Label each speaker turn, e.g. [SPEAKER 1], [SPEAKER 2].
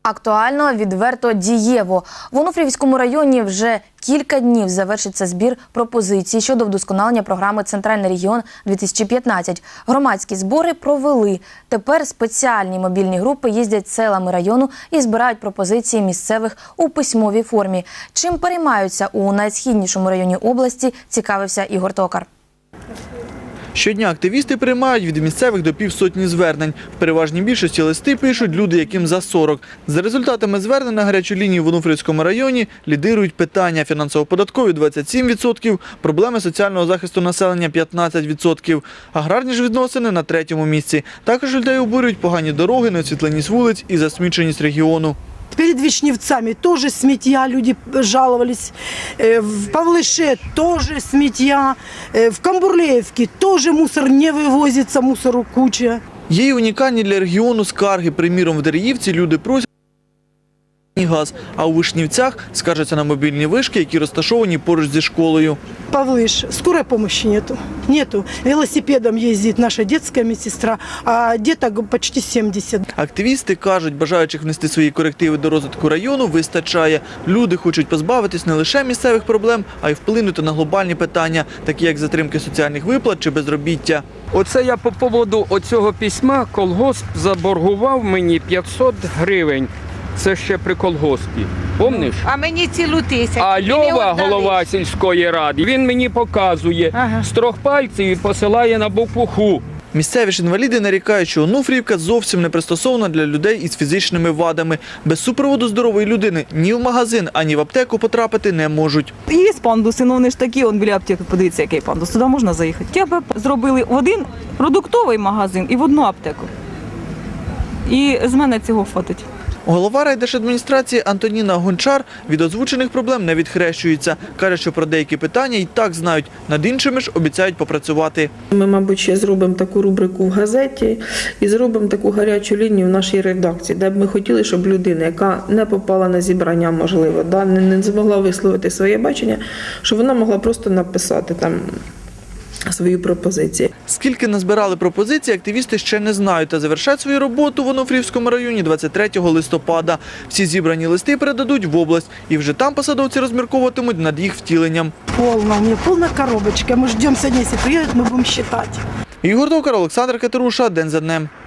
[SPEAKER 1] Актуально, відверто, дієво. В Онуфріївському районі вже кілька днів завершиться збір пропозицій щодо вдосконалення програми «Центральний регіон-2015». Громадські збори провели. Тепер спеціальні мобільні групи їздять селами району і збирають пропозиції місцевих у письмовій формі. Чим переймаються у найсхіднішому районі області, цікавився Ігор Токар.
[SPEAKER 2] Щодня активісти приймають від місцевих до півсотні звернень. В переважній більшості листи пишуть люди, яким за 40. За результатами звернень на гарячу лінію в Онуфріївському районі лідирують питання: фінансово-податкові – 27%, проблеми соціального захисту населення – 15%, аграрні ж відносини – на 3-му місці. Також людей обурюють погані дороги, неосвітленість вулиць і засміченість регіону.
[SPEAKER 3] Перед Вишневцами тоже сміття, люди жаловались. В Павлише тоже сміття. В Камбурлеевке тоже мусор не вивозиться, мусору куча.
[SPEAKER 2] Є й унікальні для регіону скарги. Приміром, в Дереївці люди просять газ, а у Вишнівцях скаржаться на мобільні вишки, які розташовані поруч зі школою.
[SPEAKER 3] Павлиш, скорой помощи нету. Нету. Велосипедом ездит наша детская медсестра, а деток почти 70.
[SPEAKER 2] Активісти кажуть, бажаючих внести свої корективи до розвитку району вистачає. Люди хочуть позбавитись не лише місцевих проблем, а й вплинути на глобальні питання, такі як затримки соціальних виплат чи безробіття.
[SPEAKER 4] Оце я по поводу оцього письма колгосп заборгував мені 500 гривень. Це ще при колгоспі. Помниш?
[SPEAKER 5] А мені цілу тисячу.
[SPEAKER 4] А Льова, голова сільської ради, він мені показує з 3 пальців і посилає на букву «Ху».
[SPEAKER 2] Місцеві ж інваліди нарікають, що Онуфріївка зовсім не пристосована для людей із фізичними вадами. Без супроводу здорової людини ні в магазин, ані в аптеку потрапити не можуть.
[SPEAKER 6] Є пандуси, але вони ж такі, он біля аптеки, подивіться, який пандус, туди можна заїхати. Я б зробили в один продуктовий магазин і в одну аптеку. І з мене цього хватить.
[SPEAKER 2] Голова райдержадміністрації Антоніна Гончар від озвучених проблем не відхрещується. Каже, що про деякі питання і так знають, над іншими ж обіцяють попрацювати.
[SPEAKER 7] Ми, мабуть, ще зробимо таку рубрику в газеті і зробимо таку гарячу лінію в нашій редакції, де б ми хотіли, щоб людина, яка не попала на зібрання, можливо, не змогла висловити своє бачення, щоб вона могла просто написати там свої пропозиції.
[SPEAKER 2] Скільки назбирали пропозицій, активісти ще не знають та завершать свою роботу в Онуфріївському районі 23 листопада. Всі зібрані листи передадуть в область і вже там посадовці розмірковуватимуть над їх втіленням.
[SPEAKER 3] Полна, у меня полная коробочка. Мы ждем сегодня, если приедут, мы будем считать.
[SPEAKER 2] Ігор Токар, Олександр Катеруша. День за днем.